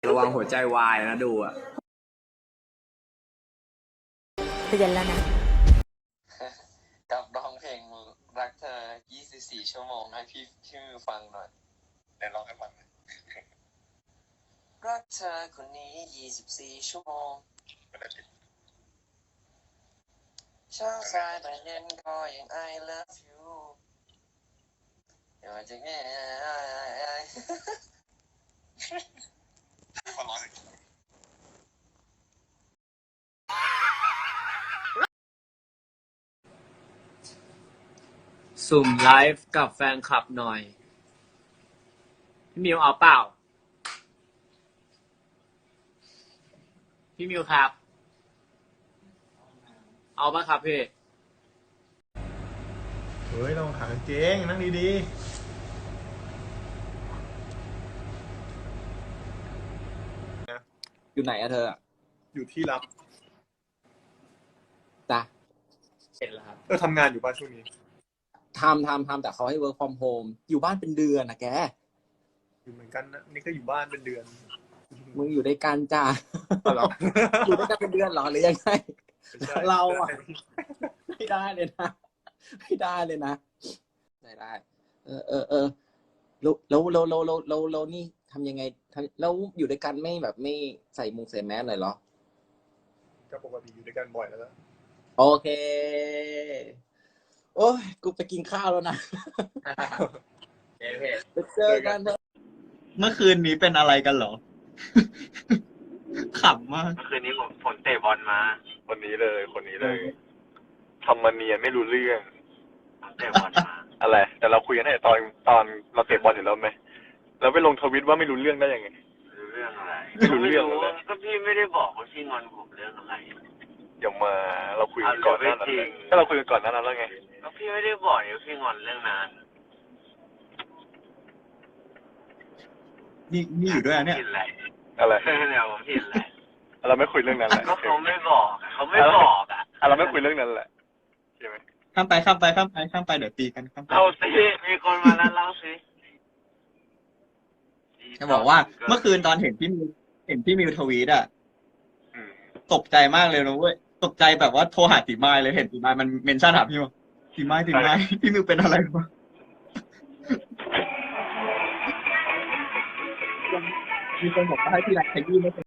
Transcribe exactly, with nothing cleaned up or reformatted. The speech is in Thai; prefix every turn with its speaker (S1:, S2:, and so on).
S1: ระวังหัวใจวายนะดูอ่ะ
S2: เตือนแล้วนะ
S3: กับร้องเพลงรักเธอยี่สิบสี่ชั่วโมงให้พี่พี่มิวฟังหน่อยไหนร้องให้ฟังหน่อยรักเธอคนนี้ยี่สิบสี่ชั่วโมงเช้าสายบ่ายเย็นก็ยัง I love you อย่าจะแง่คนร้อง
S1: สุ่มไลฟ์กับแฟนคลับหน่อยพี่มิวเอาเปล่าพี่มิวครับเอาป่ะครับพี่
S4: เฮ้ยต้องขากางเกงนั่งดี
S5: ๆอยู่ไหนอะเธอ
S4: อยู่ที่รับ
S5: จ้ะ
S1: เสร็จแล้วครับ
S4: เออทำงานอยู่บ้านช่วงนี้
S5: ทำทำทำแต่เขาให้ work from home อยู่บ้านเป็นเดือนนะแก
S4: อยู่เหมือนกันนะนี่ก็อยู่บ้านเป็นเดือน
S5: มึงอยู่ด้วยกันจ้า
S4: เหรอ
S5: อยู่ด้วยกันเป็นเดือนเหรอหรือยังไง เราอะไม่ได้เลยนะไม่ได้เลยนะได้ได้เออเออเออแล้วแล้วแล้วแล้วแล้วแล้วแล้วนี่ทำยังไงทำแล้วอยู่ด้วยกันไม่แบบไม่ใส่มุงใส่แมสเลยเหรอ
S4: ก็ปกติอยู่ด้วยกันบ่อยแล้ว
S5: โอเคโอ้ยกูไปกินข้าวแล้วนะไปเจอกันเถอะ
S6: เมื่อคืนนี้เป็นอะไรกันเหรอ ขำมาก
S3: เมื่อคืนนี้ผมฝนเตะบอลมา
S7: คนนี้เลยคนนี้เลยทำมาเนียนไม่รู้เรื่อง
S3: ผมเตะบอลมา
S7: อะไรแต่เราคุยกันตั้งแต่ตอนตอนเราเตะบอลอยู่แล้วไหมเราไปลงทวิตว่าไม่รู้เรื่องได้ยังไง
S3: รู้เรื่องอะไร
S7: ไม่รู้เรื่องเลย
S3: ก็พี่ไม่ได้บอกว่าพี่งอนผมเรื่องอะไร
S7: เดี๋ยวมาเราคุยกันก่อนหน้านั้นเลยถ้าเราคุยกันก่อนหน้านั้นแล้วไง
S3: ก็พี่ไม่ได้บอกว่าพี่งอนเรื่องนั้น
S6: นี่นี่อยู่ด้วยอะเนี่ย
S3: ผิดอะไร
S7: อะไร
S3: เนี่ยผมผิดอะไร
S7: เราไม่คุยเรื่องนั้นแหละ
S3: ก็เขาไม่บอกเขาไม่บอกอ่ะ
S7: อ่ะเราไม่คุยเรื่องนั้นแหละใช่ไหม
S6: ข้ามไปข้ามไปข้ามไปข้ามไปเดี๋ยวตีกันข้ามไป
S3: เอาสิมีคนมาแล้วเล่าสิ
S6: จะบอกว่าเมื่อคืนตอนเห็นพี่มิวเห็นพี่มิวทวีตอะ
S7: อืม
S6: ตกใจมากเลยนะเว้ยตกใจแบบว่าโทรหาตีไม้เลยเห็นตีไม้มันเมนชั่นหาพี่มิวตีไม้ตีไม้พี่มิวเป็นอะไรวะมีคนบอกว่าให้พี่รักขยี้ไม่เป็น